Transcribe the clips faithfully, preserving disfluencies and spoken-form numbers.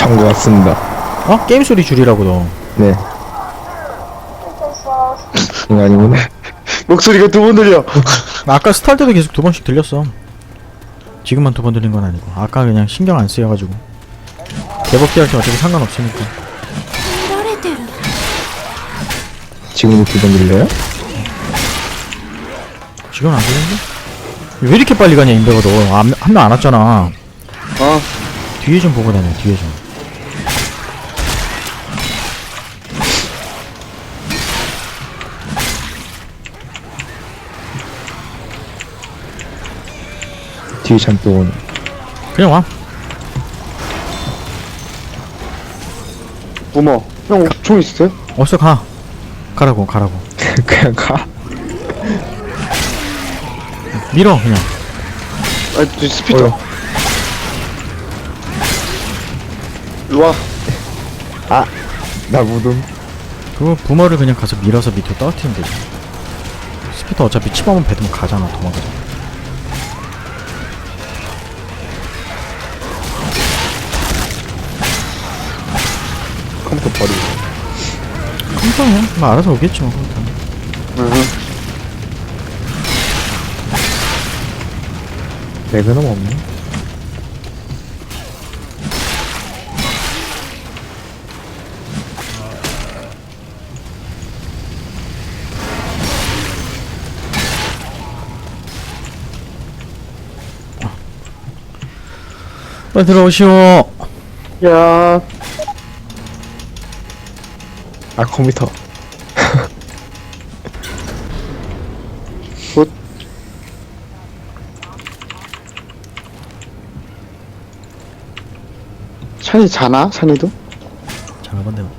한 것 같습니다. 어? 게임 소리 줄이라고 너. 네. 이거 아니구나. 목소리가 두 번 들려. 아까 스타일 때도 계속 두 번씩 들렸어. 지금만 두 번 들린 건 아니고. 아까 그냥 신경 안 쓰여가지고. 개복기 할 때 어차피 상관없으니까. 지금도 두 번 들려요? 지금 안 들리는데? 왜 이렇게 빨리 가냐 인베가 너. 한 명 안 왔잖아. 어. 뒤에 좀 보고 다녀. 뒤에 좀. 뒤에 잠또 오네. 그냥 와. 부모. 형, 총 있으세요? 어서 가. 가라고 가라고. 그냥 가. 밀어 그냥. 아, 저 스피터. 어휴. 일로 와. 아, 나 묻음. 그 부모를 그냥 가서 밀어서 밑으로 떨어뜨리면 되지. 스피터 어차피 치마만 뱉으면 가잖아. 도망가잖아. 컴퓨터 버리고. 컴퓨터야. 뭐 알아서 오겠지 뭐 컴퓨터는. 응. 레그넘 없네. 빨리 들어오시오. 야. 아, 컴퓨터. 굿. 샤니 자나? 샤니도? 잠깐만 내가.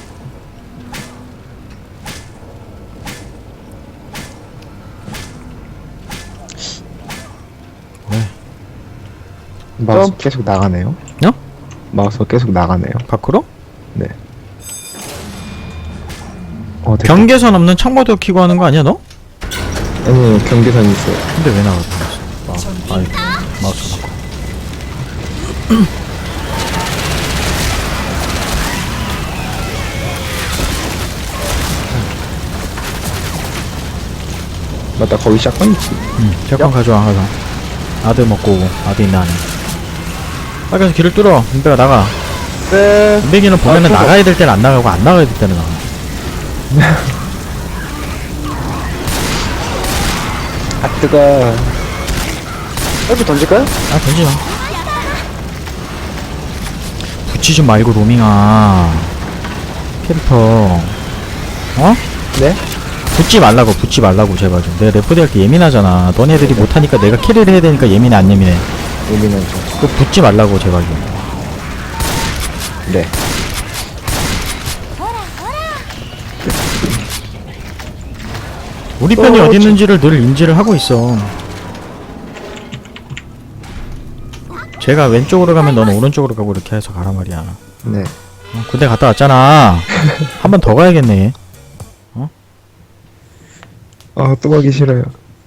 왜? 마우스 점. 계속 나가네요. 어? 마우스가 계속 나가네요. 밖으로? 네. 어, 됐다. 경계선 없는 창모드 키고 하는 거 아니야 너? 아니, 경계선이 있어요. 근데 왜 나가? 마우스. 마, 아이, 마우스 바꿔. 맞다, 거기 샷건 있지. 응. 잠깐 가져와 가서. 아들 먹고 오고. 아들 있나 안에. 빨리 가서 길을 뚫어. 인베가 나가. 네. 인베기는 보면은 아, 나가야 될 때는 안 나가고 안 나가야 될 때는 나가. 아, 뜨거. 빨리 던질까요? 아 던지마. 붙이지 말고 로밍아. 캐릭터. 어? 네? 붙지 말라고 붙지 말라고 제발 좀. 내가 레포드 할 때 예민하잖아. 너네들이 못하니까 내가 캐리를 해야 되니까 예민해 안 예민해? 예민하죠. 그 붙지 말라고 제발 좀. 네. 우리 편이 어, 어디 지- 있는지를 늘 인지를 하고 있어. 제가 왼쪽으로 가면 너는 오른쪽으로 가고 이렇게 해서 가란 말이야. 네. 어, 군대 갔다 왔잖아. 한 번 더 가야겠네. 아, 또 가기 싫어요.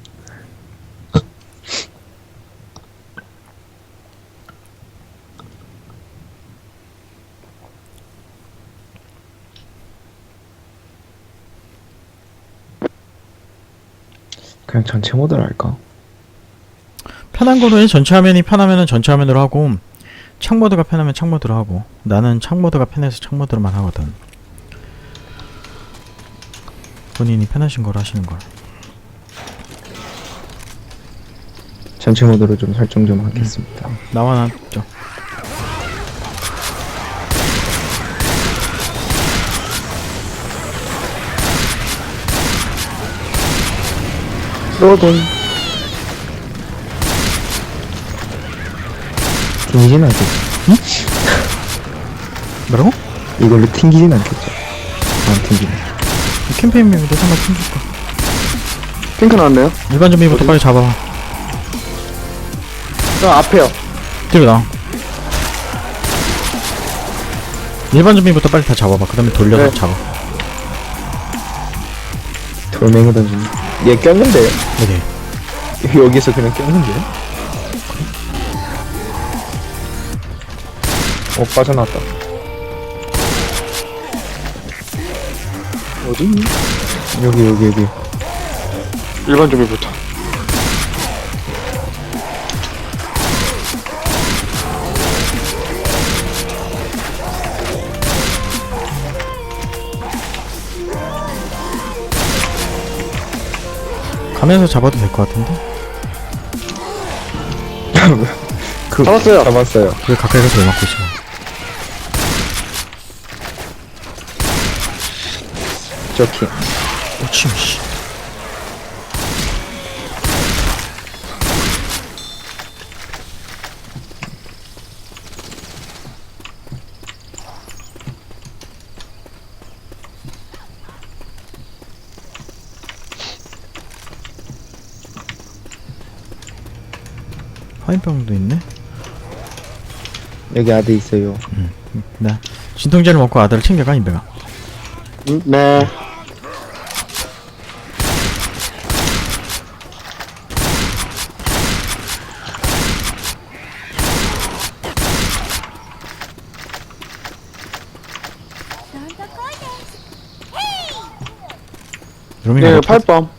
그냥 전체 모드로 할까? 편한 거로 해. 전체 화면이 편하면은 전체 화면으로 하고, 창 모드가 편하면 창 모드로 하고. 나는 창 모드가 편해서 창 모드로만 하거든. 본인이 편하신 걸 하시는 걸. 전체 모드로 좀 설정 좀 하겠습니다. 나와 나 저. 로돈. 튕기진 않겠죠? 뭐라고? 이걸로 튕기진 않겠죠? 안 튕기네. 캠페인 미부터 한번 튕길까? 핑크 나왔네요. 일반 좀비부터 빨리 잡아봐. 저 앞에요. 뒤로 나와. 일반 좀비부터 빨리 다 잡아봐. 그 다음에 돌려서 네. 잡아. 돌멩이 던지네. 얘 꼈는데요? 네네. 여기서 그냥 꼈는데요? 어, 빠져나왔다. 어디 있니? 여기, 여기, 여기. 일반 좀비부터. 가면서 잡아도 될 것 같은데? 그, 잡았어요. 잡았어요. 왜 가까이 가서 왜 맞고 있어? 저킹. 오침 씨. 화인병도 있네? 여기 아드 있어요. 나 진통제를 먹고 아들을 챙겨가 인베가. 음, 네. 로밍아 네, 네, 팔밤.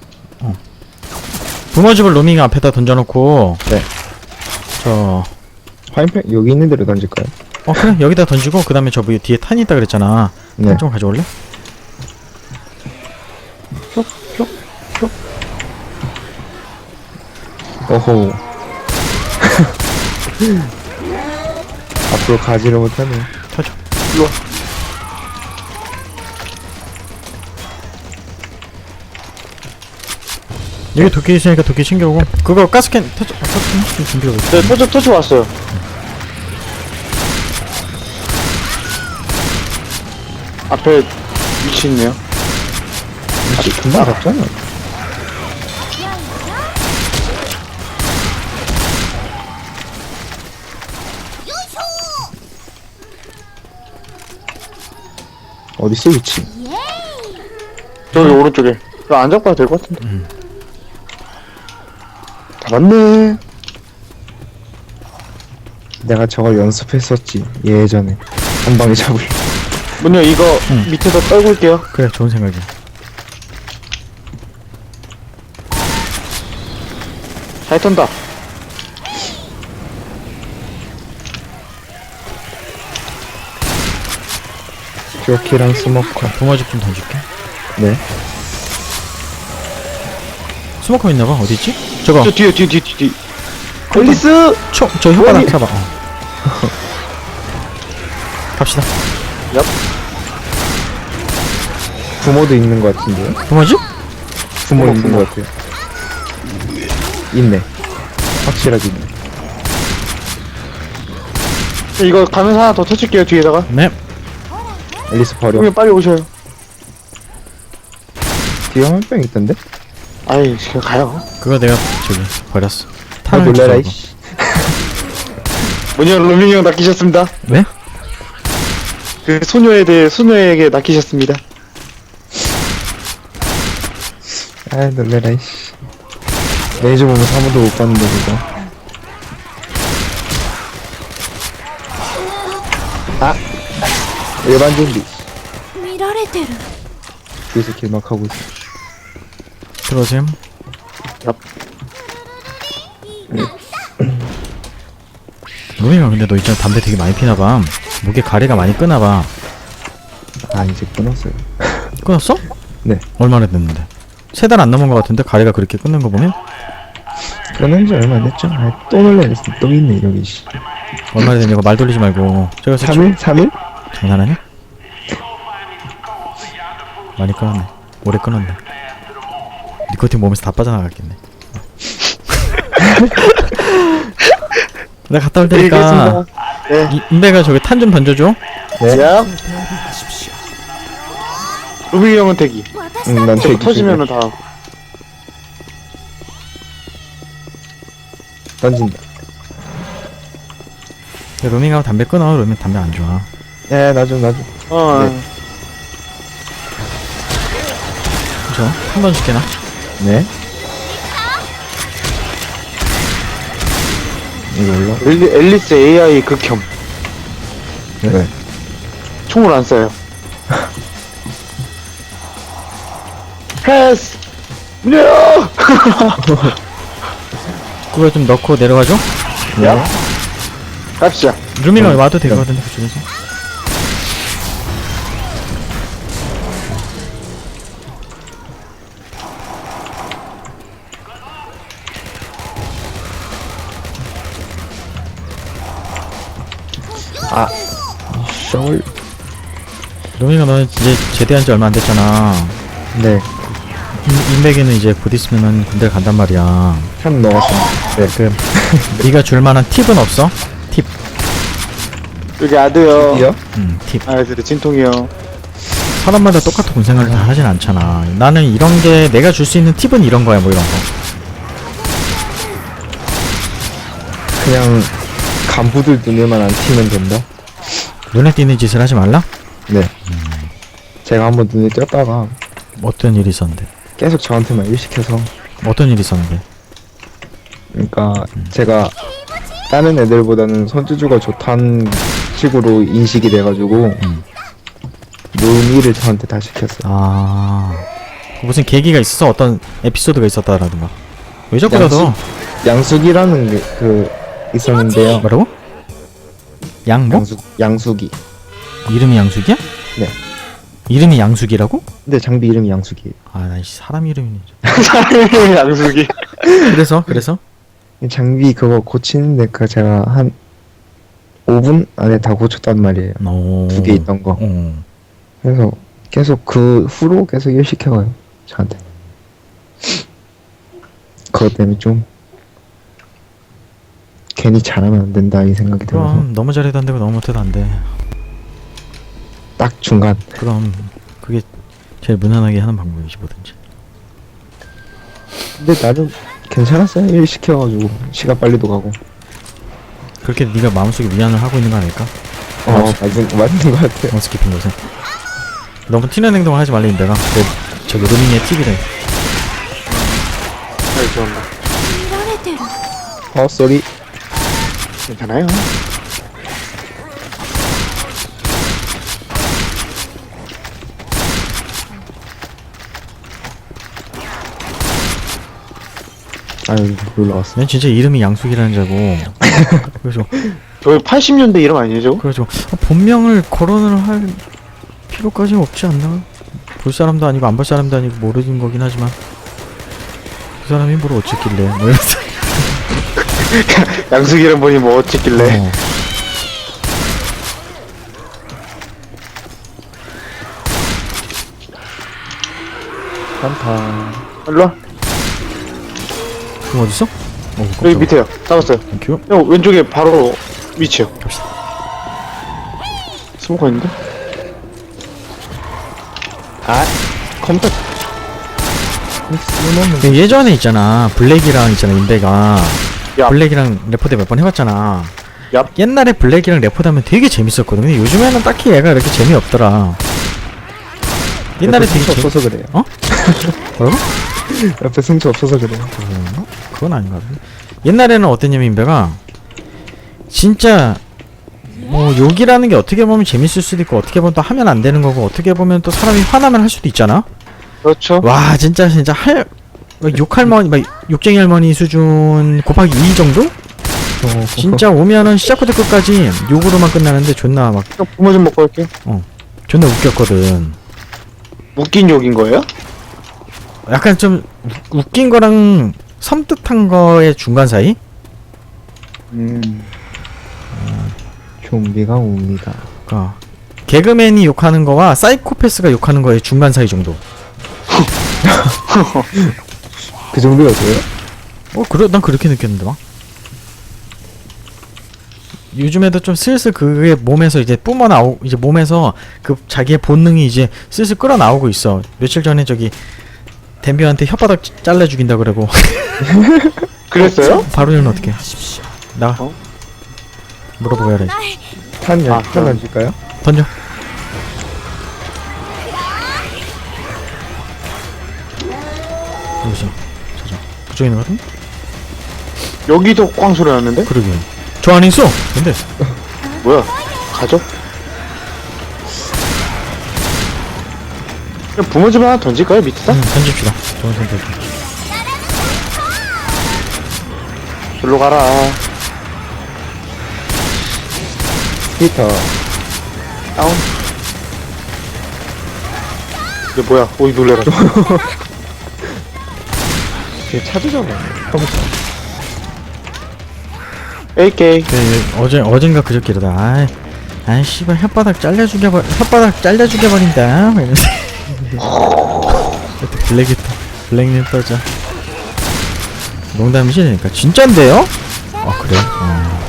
붕어집을 로밍 앞에다 던져놓고 네. 저 화인팩 여기 있는 대로 던질까요? 어 그래 여기다 던지고 그 다음에 저 위에 뒤에 탄이 있다 그랬잖아. 네. 탄 좀 가져올래? 어호. 앞으로 가지를 못하네. 터져. 일로와. 여기 도끼 있으니까 도끼 챙겨오고 그거 가스캔 터져. 아, 터져 좀 준비하고 있어. 네, 터치, 터치 왔어요. 앞에 위치 있네요. 혹시 금방 잡잖아. 어딨어 위치? 저기 오른쪽에. 이거 안 잡고 될 것 같은데. 음. 잡았네. 내가 저걸 연습했었지 예전에 한 방에 잡을. 문요 이거 응. 밑에서 떨굴게요. 그래 좋은 생각이야. 잘 턴다. 조키랑 스모커. 붕어집 좀 던질게. 네. 스모커 있나봐. 어디 있지? 저거. 저 뒤에, 뒤에, 뒤에, 뒤에. 앨리스! 초, 저 혓바닥 아니. 잡아. 어. 갑시다. 얍. 부모도 있는 것 같은데요? 붕어집? 부모 부모, 있는 부모. 것 같아요. 있네. 확실하게 있네. 이거 가면서 하나 더 터칠게요, 뒤에다가. 네. 앨리스 버려. 그러면 빨리 오셔요. 뒤에 화면병 있던데? 아이, 그냥 가요. 그거 내가 저기 버렸어. 아 탄을 놀래라 주워고. 이씨. 문요 로밍이 형 낚이셨습니다. 왜? 그 소녀에 대해 소녀에게 낚이셨습니다. 아 놀래라 이씨. 레이저 보면서 한 번도 못 봤는데 그거. 아! 일반 좀비. 見られてる 뒤에서 길막하고 있어. 들어오셈. 로밍아 근데 너 있잖아 담배 되게 많이 피나봐. 목에 가래가 많이 끄나봐. 아 이제 끊었어요. 끊었어? 네. 얼마나 됐는데? 세 달 안 넘은 것 같은데 가래가 그렇게 끊는 거 보면? 끊은 지 얼마 안 됐죠? 아, 또 놀래랬어. 또 있네 여기 씨. 얼마나 됐냐고 말 돌리지 말고. 제가 삼 일? 삼 일? 장난하냐? 많이 끊었네. 오래 끊었네. 니코틴 몸에서 다 빠져나갔겠네. 내가 갔다 올 테니까 네. 이- 인베가 저기 탄 좀 던져줘. 네. 야. 로밍이 형은 대기. 응, 난 저 되게 터지면은 다 하고. 던진다. 야, 로밍하고 담배 끊어. 로밍 담배 안 좋아. 야, 나 좀, 나 좀. 어. 네. 그쵸? 한 번 줄게나. 네. 이거 올라? 엘리, 앨리스 에이아이 극혐. 왜? 총을 안 쏴요. 패스! 문제요! 그거 좀 넣고 내려가죠? 야? 갑시다. 루미가 와도 되거든요, 그쪽에서. 아, 셔울. 루미가 너는 이제 제대한 지 얼마 안 됐잖아. 네, 인- 인백이는 이제 곧 있으면은 군대 간단 말이야. 한 넣었어. 네, 그 네가 줄 만한 팁은 없어? 팁. 여기 아드요. 이요? 음, 팁. 아, 그래, 진통이요. 사람마다 똑같은 군 생활을 다 하진 않잖아. 나는 이런 게 내가 줄 수 있는 팁은 이런 거야, 뭐 이런 거. 그냥 간부들 눈에만 안 튀면 된다. 눈에 띄는 짓을 하지 말라? 네. 제가 한번 눈에 띄었다가 어떤 일이 있었는데? 계속 저한테만 일시켜서, 어떤 일이 있었는데? 그러니까 제가 다른 애들보다는 손주주가 좋다는 식으로 인식이 돼가지고 음. 노미를 저한테 다 시켰어요. 아, 무슨 계기가 있어서 어떤 에피소드가 있었다라든가. 왜 자꾸 양수- 나서 양숙이라는 게, 그 있었는데요. 뭐라고? 양 뭐? 양숙 양숙이. 이름이 양숙이야? 네. 이름이 양숙이라고? 근데 장비 이름이 양숙이에요. 아, 나 사람 이름이니. 양숙이. 그래서 그래서 이 장비 그거 고치는데 그 제가 한 오 분 안에 다 고쳤단 말이에요. 오. 두 개 있던 거. 어. 그래서 계속 그 후로 계속 일 시켜가요. 저한테. 그것 때문에 좀 괜히 잘하면 안 된다 이 생각이 들어서 그럼 너무 잘해도 안 되고 너무 못해도 안 돼. 딱 중간. 그럼 그게 제일 무난하게 하는 방법이지 뭐든지. 근데 나름 괜찮았어요. 일 시켜가지고 시간 빨리도 가고. 그렇게 네가 마음속에 위안을 하고 있는 거 아닐까? 어 맞은 맞는 것 같아요. 원스키핑 요새. 너무 튀는 행동을 하지 말래 내가. 내 저기 루밍의 팁이래. 아, 죄송합니다. 어 쏘리. 괜찮아요. 아유 놀라웠어. 난 진짜 이름이 양숙이라는 줄 알고. 그래서 저희 팔십 년대 이름 아니죠? 그래서 아, 본명을 거론을 할 필요까지 없지 않나? 볼 사람도 아니고 안 볼 사람도 아니고 모르는 거긴 하지만 그 사람이 뭘 어쨌길래 뭐 이러면서. 양숙 이름 보니 뭐 어쨌길래. 어. 한타. 일로와. 그럼 어딨어? 어, 여기 깜짝이야. 밑에요. 잡았어요. 땡큐. 형, 왼쪽에 바로 위치요. 갑시다. 스모커 있는데? 아 컴퓨터. 쓸모없는. 그 예전에 있잖아 블랙이랑 있잖아 인베가 야. 블랙이랑 레포대 몇 번 해봤잖아. 야. 옛날에 블랙이랑 레포대 하면 되게 재밌었거든. 근데 요즘에는 딱히 얘가 이렇게 재미없더라. 옛날에 되게 승수 재... 없어서 그래요. 어? 뭐라고? 옆에 승수 없어서 그래요. 그런가? 그건 아닌 것 같은데. 옛날에는 어땠냐면 인베가 진짜 뭐 욕이라는 게 어떻게 보면 재밌을 수도 있고 어떻게 보면 또 하면 안 되는 거고 어떻게 보면 또 사람이 화나면 할 수도 있잖아. 그렇죠. 와 진짜 진짜 할 막 욕할머니 막 욕쟁이 할머니 수준 곱하기 이 정도? 어, 진짜 오면은 시작부터 끝까지 욕으로만 끝나는데 존나 막 형, 부모 좀 먹고 올게. 존나 웃겼거든. 웃긴 욕인 거예요? 약간 좀 우- 웃긴 거랑 섬뜩한 거의 중간 사이? 음. 좀비가 옵니다. 그러니까 개그맨이 욕하는 거와 사이코패스가 욕하는 거의 중간 사이 정도. 그 정도였어요? 어 그래 난 그렇게 느꼈는데 막. 요즘에도 좀 슬슬 그게 몸에서 이제 뿜어 나오 이제 몸에서 그 자기의 본능이 이제 슬슬 끌어 나오고 있어. 며칠 전에 저기 덴비한테 혓바닥 찌- 잘라 죽인다 그러고. 그랬어요? 바로는 어떻게? 나 어? 물어보고 해야지. 탄 아, 열, 탄 그럼. 던질까요? 던져. 누구지? 자자. 그쪽에 있는 거 같은데? 여기도 꽝 소리 났는데? 그러게. 저 안에 있어. 근데 뭐야? 가죠? 그냥 부모집 하나 던질까요, 밑에다? 음, 던집시다. 좋은 선택. 절로 가라. 히터. 다운. 이게 뭐야? 오이 놀래라. 걔 찾으잖아. 컴퓨터. 에이케이. 그, 어제, 어젠가 그저께다. 아이, 아이, 씨발, 혓바닥 잘려 죽여버, 혓바닥 잘려 죽여버린다. 막 이러면서. 또 블랙이 또, 블랙님 떠져. 농담이시니까. 진짠데요? 아, 그래? 어.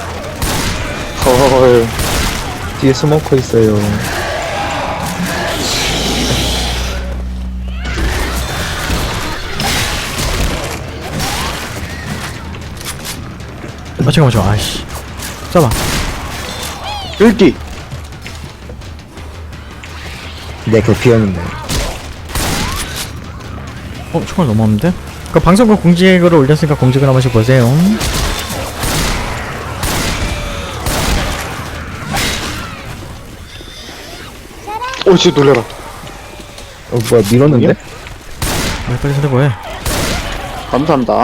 헐. 뒤에 스모커 있어요. 아, 잠깐만, 잠깐만. 아이씨. 잡아. 긁기. 내 그 비었는데. 어, 총알 너무 없는데? 그 방송국 공지글을 올렸으니까 공지글 한 번씩 보세요. 오, 진짜 놀래라. 어, 뭐야, 밀었는데? 빨리 빨리 손대 보해. 감사합니다.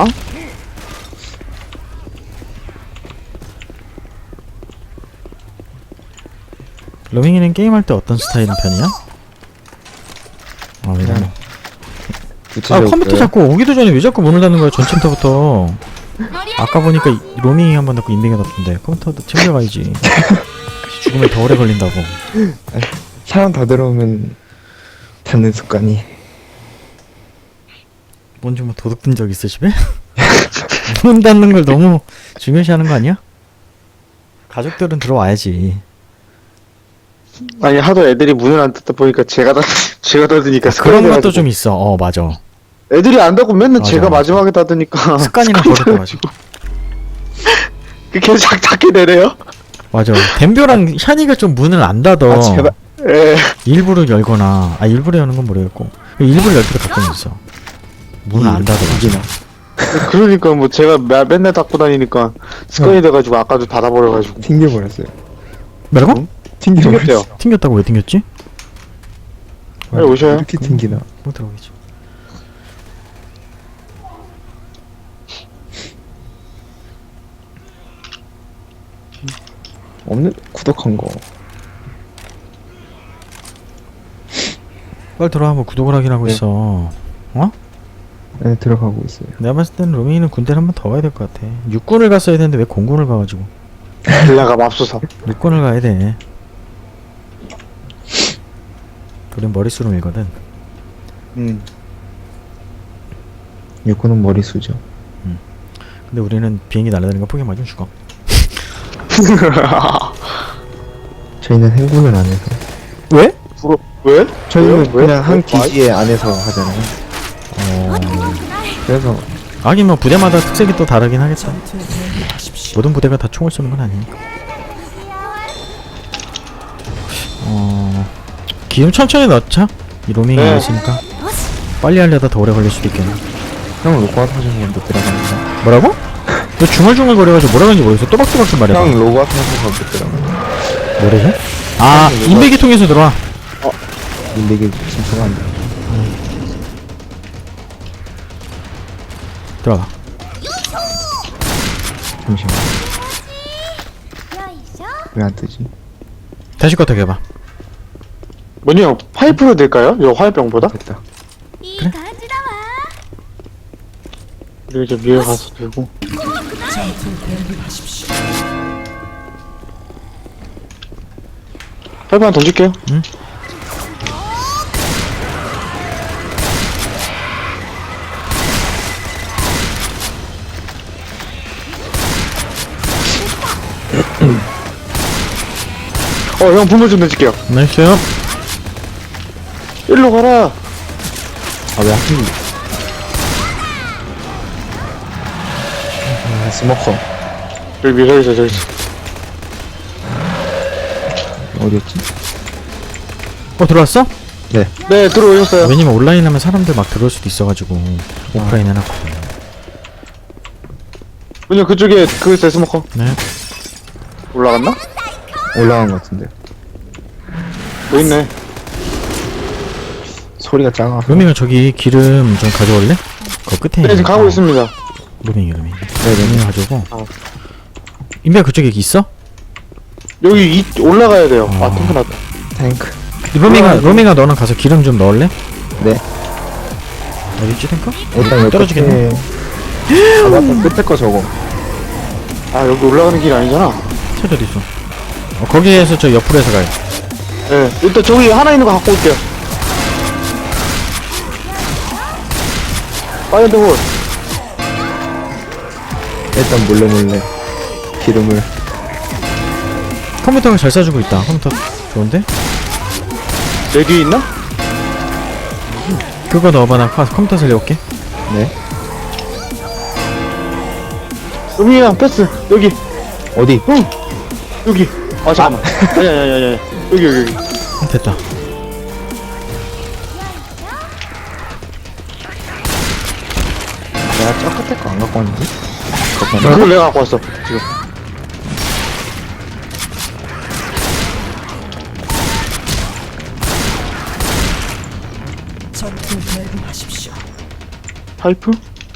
로밍이는 게임할 때 어떤 스타일인 편이야? 아, 왜 이러냐. 아, 구체적으로. 컴퓨터 자꾸 오기도 전에 왜 자꾸 문을 닫는 거야, 전 챕터부터. 아까 보니까 이- 로밍이 한 번 닫고 인빙에 닫던데. 컴퓨터도 챙겨가야지. 죽으면 더 오래 걸린다고. 사람 다 들어오면 닫는 습관이. 뭔지 뭐 도둑 든 적 있어, 집에? 문 닫는 걸 너무 중요시 하는 거 아니야? 가족들은 들어와야지. 아니, 하도 애들이 문을 안 닫다 보니까 제가 닫, 제가 닫으니까 그런 습관이 것도 돼가지고. 좀 있어. 어, 맞아. 애들이 안 닫고 맨날 맞아, 제가 맞아. 마지막에 닫으니까. 습관이나 습관이 버릇돼가지고. 그 계속 작- 닫게 되네요? 맞아. 댐벼랑 샤니가 좀 문을 안 닫어. 아, 제발. 예. 일부러 열거나, 아, 일부러 여는 건 모르겠고. 일부러 열 때도 가끔 있어. 문을 안 닫아. 이기나. 그러니까 뭐 제가 매, 맨날 닫고 다니니까 습관이 돼가지고 아까도 닫아버려가지고. 튕겨버렸어요. 뭐라고? 응? 튕겨버렸어. 튕겼대요. 튕겼다고 왜 튕겼지? 빨리 오셔요. 이렇게 튕기나. 못 들어오겠지. 없는, 구독한 거. 빨리 들어와, 뭐 구독을 하긴 하고 네. 있어. 어? 네, 들어가고 있어요. 내가 봤을 때는 로밍이는 군대를 한 번 더 가야 될 것 같아. 육군을 갔어야 되는데 왜 공군을 가가지고. 빌라가 맙소사. 육군을 가야 돼. 우린 머릿수로 밀거든. 음. 육군은 머리수죠. 근데 우리는 비행기 날아다니는 거 포기 맞으면 죽어. 저희는 행군을 안 해서. 왜? 부러, 왜? 저희는 왜요? 왜? 그냥 한 왜? 기지에 안에서 하잖아요. 어... 그래서 하긴 뭐 부대마다 특색이 또 다르긴 하겠다. 모든 부대가 다 총을 쏘는 건 아니니까. 어... 기름 천천히 넣자. 이 로밍이 네. 있으니까 빨리 하려다 더 오래 걸릴 수도 있겠네. 형 로고 하시는 건데 들어갑니다. 뭐라고? 너 중얼중얼 거려가지고 뭐라 그런지 모르겠어. 또박또박 좀 말해봐. 형 로고 하시는 거 들어갑니다. 뭐래지? 아, 형, 인베기 통해서 들어와. 근데 이게 진짜가 안 돼. 들어가. 잠시만. 왜 안 뜨지? 다시 껐다 해봐. 뭐냐, 파이프로 될까요? 이 화염병보다? 됐다. 그래? 그리고 이제 위에 가서 들고. 파이프 하나 던질게요. 응? 어, 형 분노 좀 던질게요. 나이스. 일로 가라. 아, 왜 하필. 아, 스모커. 여기, 저기 있어, 저기 있어. 어디였지? 어, 들어왔어? 네. 네, 들어오셨어요. 왜냐면 온라인 하면 사람들 막 들어올 수도 있어가지고 오프라인 해놨거든. 뭐냐, 그쪽에 그거 있어요, 스모커. 네. 올라갔나? 올라간 것 같은데. 뭐 있네. 소리가 작아. 로밍아 저기 기름 좀 가져올래? 그 끝에 네, 지금 가고 어, 있습니다. 로밍이 로밍 네네. 로밍 가져오고 어. 인베가 그쪽에 있어? 여기 이, 올라가야 돼요. 아, 어. 탱크 났다. 탱크. 로밍아 올라가야 돼. 로밍아 너는 가서 기름 좀 넣을래? 네. 어디 있지 탱크? 일단 여기 떨어지겠네. 끝에- 아 맞다. 끝에 거 저거. 아, 여기 올라가는 길 아니잖아. 차 어디 있어? 어, 거기에서 저 옆으로 해서 가요. 예. 일단 저기 하나 있는 거 갖고 올게요. 파이어드 홀. 일단 몰래 몰래 기름을. 컴퓨터가 잘 쏴주고 있다. 컴퓨터 좋은데? 내 뒤에 있나? 그거 넣어봐. 나 컴- 컴퓨터 살려올게. 네. 음이랑 패스. 여기. 어디? 응. 여기. 아, 잠깐만. 아니, 아니, 아니, 아니, 아니. 여기, 여기, 여기. 음, 됐다. 내가 저 끝에 거 안 갖고 왔는데? 그걸 내가 갖고 왔어. 지금. 파이프?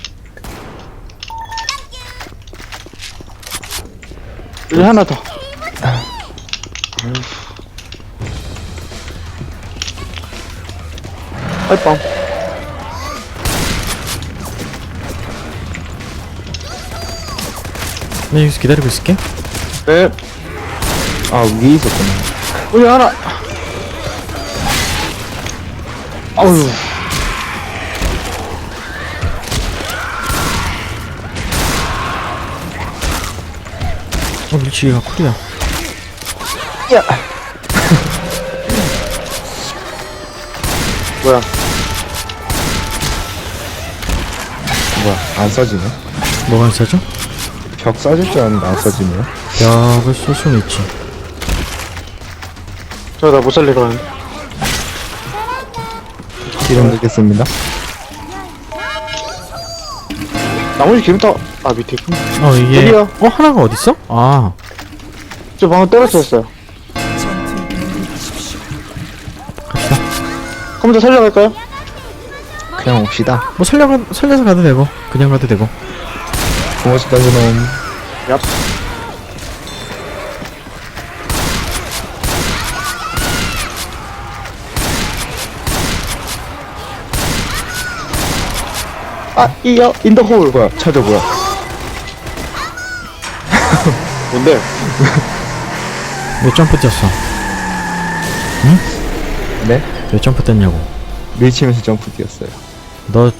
여기 하나 더. 파이빵. 나 여기서 기다리고 있을게. 네. 아 위에 있었구나. 여기 하나. 아우. 어 밀치기가 쿨이야. 야. 뭐야? 뭐야? 안 써지네. 뭐가 안 싸죠? 벽 써질 줄 알았는데 안 써지네요. 벽을 쏠 수는 있지. 저 나 못 살리러 가는데. 기름 넣겠습니다. 나머지 기름 타. 아, 밑에 있구나. 어 이게 여기요. 어 하나가 어디 있어? 아 저 방금 떨어졌어요. 갑시다. 컴퓨터 살려갈까요? 그냥 옵시다. 뭐 살려 살려서 가도 되고 그냥 가도 되고. 고무줄 던져놓은. 얍. 아, 이어 인더 홀. 뭐야? 찾아 뭐야? 뭔데? 몇 점프 뛰었어? 네? 몇 점프 뛰었냐고. 밀치면서 점프 뛰었어요. 너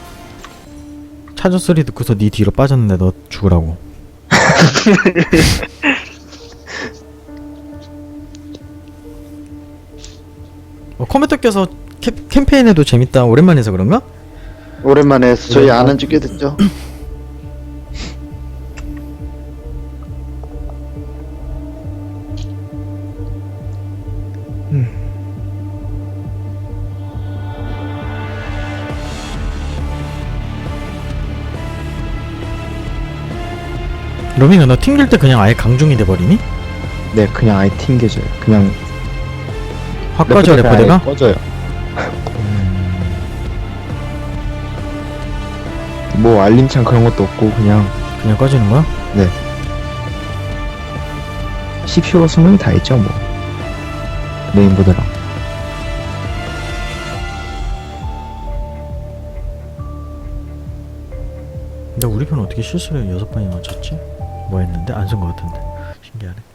차저 소리 듣고서 네 뒤로 빠졌는데 너 죽으라고. 어, 컴퓨터 껴서 캐, 캠페인해도 재밌다. 오랜만에 해서 그런가? 오랜만에 해서 저희 아는 지 꽤 됐죠. 로밍아 너 튕길 때 그냥 아예 강중이 돼버리니? 네, 그냥 아예 튕겨져요. 그냥 확 꺼져 레포대가? 아예 꺼져요. 뭐 알림창 그런 것도 없고 그냥 그냥 꺼지는 거야? 씨피유가 수명이 다 있죠 뭐. 메인보드랑. 근데 우리 편 어떻게 실수를 여섯 번이나 맞췄지? 뭐 했는데? 안 쓴 거 같은데 신기하네.